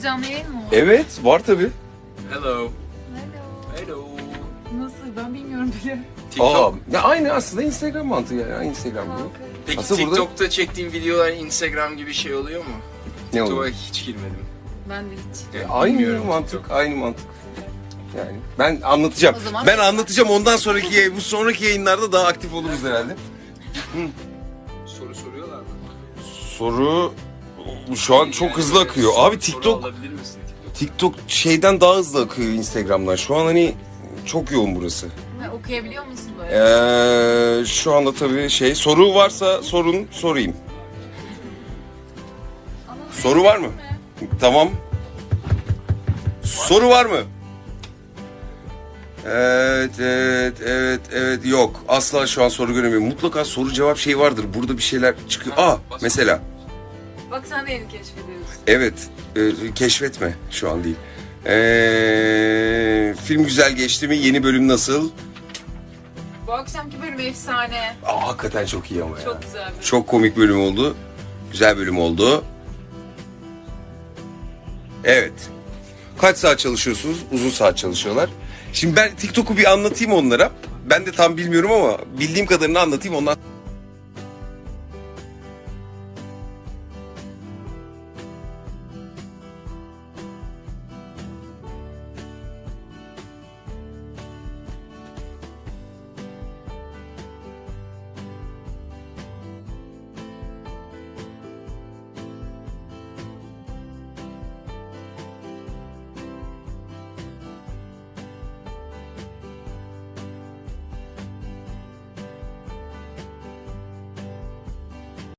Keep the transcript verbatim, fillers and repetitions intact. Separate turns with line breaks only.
canlı yayın mı var?
Evet, var tabii.
Hello.
Hello.
Hello.
Nasıl? Ben bilmiyorum bile.
TikTok.
Aa, ya aynı aslında Instagram mantığı yani. Aynı Instagram gibi.
Peki
Aslında burada-
TikTok'ta çektiğin videolar Instagram gibi şey oluyor mu?
Ne
TikTok'a
oluyor?
hiç girmedim.
Ben de hiç.
Yani
Aynı
bilmiyorum
mantık,
TikTok.
aynı mantık. Yani ben anlatacağım.
O zaman-
Ben anlatacağım ondan sonraki yayın- bu sonraki yayınlarda daha aktif oluruz herhalde.
Soru soruyorlar mı?
Soru şu an çok hızlı akıyor. Abi
Soru
TikTok
alabilir misin TikTok?
TikTok şeyden daha hızlı akıyor Instagram'dan. Şu an hani çok yoğun burası.
Ha, okuyabiliyor musun böyle?
Ee, şu anda tabii şey soru varsa sorun sorayım. Soru var mı? Tamam. Soru var mı? Evet, evet, evet, evet. Yok. Asla şu an soru göremiyorum. Mutlaka soru cevap şey vardır. Burada bir şeyler çıkıyor. Aa, mesela.
Bak sen de yeni keşfediyorsun.
Evet. e, keşfetme. Şu an değil. Ee, film güzel geçti mi? Yeni bölüm nasıl?
Bu akşamki bölüm efsane.
Aa, hakikaten çok iyi ama ya.
Çok güzel bir.
Çok komik bölüm oldu. Güzel bölüm oldu. Evet. Kaç saat çalışıyorsunuz? Uzun saat çalışıyorlar. Şimdi ben TikTok'u bir anlatayım onlara. Ben de tam bilmiyorum ama bildiğim kadarını anlatayım ondan.